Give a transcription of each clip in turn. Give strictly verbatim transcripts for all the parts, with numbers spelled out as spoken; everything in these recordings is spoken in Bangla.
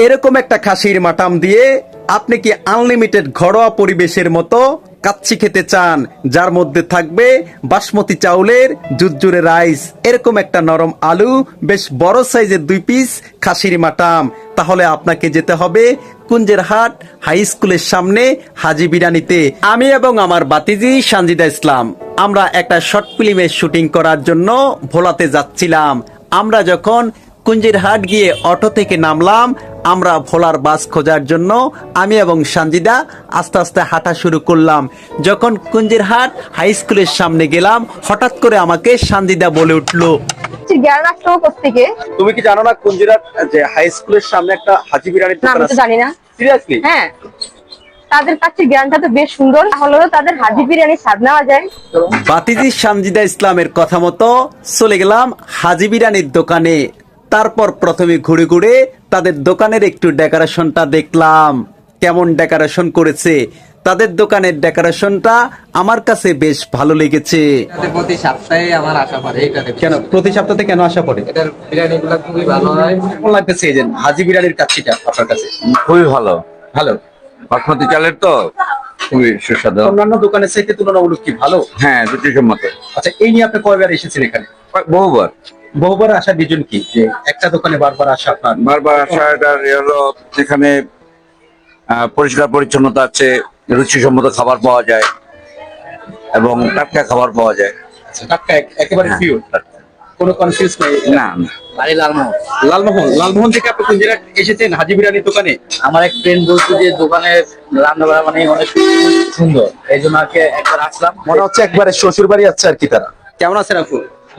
এরকম একটা খাসির মাটাম দিয়ে আপনি কি আনলিমিটেড ঘরোয়া পরিবেশের মতো কাচ্চি খেতে চান, যার মধ্যে থাকবে বাসমতি চাউলের জুরজুরে রাইস, এরকম একটা নরম আলু, বেশ বড় সাইজের দুই পিস খাসির মাটাম, তাহলে আপনাকে যেতে হবে কুঞ্জেরহাট হাই স্কুলের সামনে হাজি বিরানিতে। আমি এবং আমার বাতিজি সানজিদা ইসলাম আমরা একটা শর্ট ফিল্মের শুটিং করার জন্য ভোলাতে যাচ্ছিলাম। আমরা যখন কুঞ্জেরহাট গিয়ে অটো থেকে নামলাম, আমরা ভোলার বাস খোঁজার জন্য আমি এবং সানজিদা আস্তে আস্তে হাঁটা শুরু করলাম। যখন কুঞ্জেরহাট হাই স্কুলের সামনে গেলাম, হঠাৎ করে আমাকে সানজিদা বলে উঠলো, জ্ঞান রাখতো কোথেকে? তুমি কি জানো না কুঞ্জেরহাট যে হাই স্কুলের সামনে একটা হাজি বিরিয়ানির না, দোকান আমি তো আছে? জানি না। সিরিয়াসলি? হ্যাঁ, তাদের কাছে জ্ঞানটা তো বেশ সুন্দর, তাহলে তো তাদের হাজি বিরিয়ানি স্বাদ নেওয়া যায়। বাতিজি সানজিদা ইসলামের কথা মতো চলে গেলাম হাজি বিরিয়ানির দোকানে। তারপর প্রথমে ঘুরে ঘুরে তাদের দোকানের একটু ডেকোরেশনটা দেখলাম, কেমন ডেকোরেশন করেছে। তাদের দোকানের ডেকোরেশনটা আমার কাছে বেশ ভালো লেগেছে। প্রতি সপ্তাহে আমার আশা পড়ে এটাতে। কেন প্রতি সপ্তাহে কেন আসা পড়ে? এটার বিরিয়ানি গুলো খুবই ভালো হয়। কেমন লাগতেছে এই যে হাজি বিরিয়ানির কাচ্চিটা আপনার কাছে? খুবই ভালো। ভালো। বাসমতি চালের তো খুবই সুস্বাদু। অন্যান্য দোকানের চাইতে তুলনামূলক কি ভালো? হ্যাঁ, রুচিসম্মত। আচ্ছা, এই নিয়ে আপনি কয়বার এসেছেন এখানে? বহুবার বহুবার আসার রিজন কি, যে একটা দোকানে বারবার আসা আপনার? বারবার আসা এটার এ হলো যেখানে আহ, পরিষ্কার পরিচ্ছন্নতা আছে, রুচিসম্মত খাবার পাওয়া যায় এবং টাটকা খাবার পাওয়া যায়। আচ্ছা, টাটকা এক- একেবারে হ্যাঁ, পিওর, টাটকা। কোনো কনফিউজ নেই। না না। বাড়ি লালমোহন। লালমোহন, লালমোহন থেকে আপনি কুঞ্জেরহাট এসেছেন হাজি বিরিয়ানির দোকানে? আমার এক ফ্রেন্ড বলছে যে দোকানে রান্না বাড়া মানে অনেক সুন্দর, এই জন্য আর কি একবার আসলাম। মনে হচ্ছে একবারে শ্বশুর বাড়ি আছে আর কি তারা। কেমন আছেন আপু?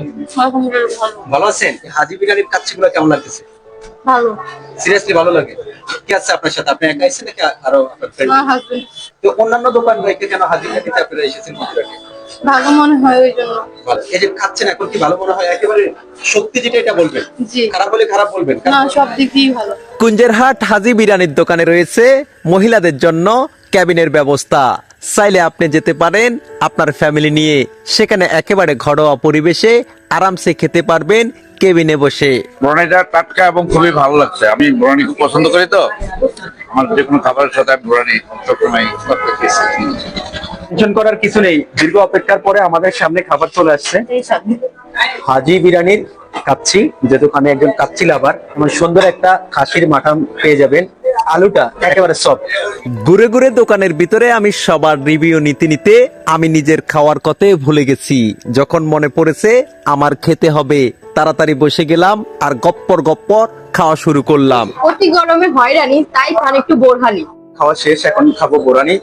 ভালো আছেন? হাজি বিরিয়ানির কাচ্চিগুলো কেমন লাগতেছে? ভালো। সিরিয়াসলি ভালো লাগে? কি আছে আপনার সাথে? আপনি একা এসেছেন নাকি আরো আপনার ফ্রেন্ড? তো অন্যান্য দোকান থেকে কেন হাজি বিরিয়ানিতে আপনারা এসেছেন কুঞ্জেরহাটে? ভালো মনে হয় ওই জন্য। ভালো। এই যে খাচ্ছেন এখন কি ভালো মনে হয়? একেবারে সত্যি যেটা এটা বলবেন, জি। খারাপ হলে খারাপ বলবেন। না, সব দিক দিয়েই ভালো। কুঞ্জেরহাট হাজি বিরিয়ানির দোকানে রয়েছে মহিলাদের জন্য ক্যাবিনের ব্যবস্থা। চাইলে আপনি যেতে পারেন আপনার ফ্যামিলি নিয়ে, সেখানে একেবারে ঘরোয়া পরিবেশে আরামসে খেতে পারবেন কেবিনে বসে। বিরিয়ানিটা টাটকা এবং খুবই ভালো লাগছে। আমি বিরিয়ানি খুব পছন্দ করি, তো আমার যে কোনো খাবারের সাথে আমি বিরিয়ানি সবসময় টেনশন করার কিছু নেই, দীর্ঘ অপেক্ষার পরে আমাদের সামনে খাবার চলে আসছে। হাজি বিরিয়ানির কাচ্চি, যে দোকানে একজন কাচ্চি লাভার, এমন সুন্দর একটা খাসির মাটন পেয়ে যাবেন। আলুটা একেবারে সফট। ঘুরে ঘুরে দোকানের ভিতরে আমি সবার রিভিউ নিতে নিতে আমি নিজের খাওয়ার কথাই ভুলে গেছি। যখন মনে পড়েছে আমার খেতে হবে, তাড়াতাড়ি বসে গেলাম আর গপ্পর গপ্পর খাওয়া শুরু করলাম। অতি গরমে হয়রানি, তাই খান একটু বোরহানি। খাওয়া শেষ, এখন খাবো বোরানি।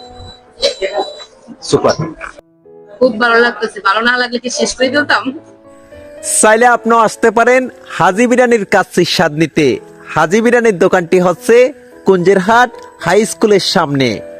সুপার। খুব ভালো লাগতেছে, ভালো না লাগলে কি শেষ করে দিতাম। চাইলে আপনিও আসতে পারেন হাজি বিরিয়ানির কাচ্চির স্বাদ নিতে। হাজি বিরিয়ানির দোকানটি হচ্ছে কুঞ্জেরহাট হাই স্কুলের সামনে।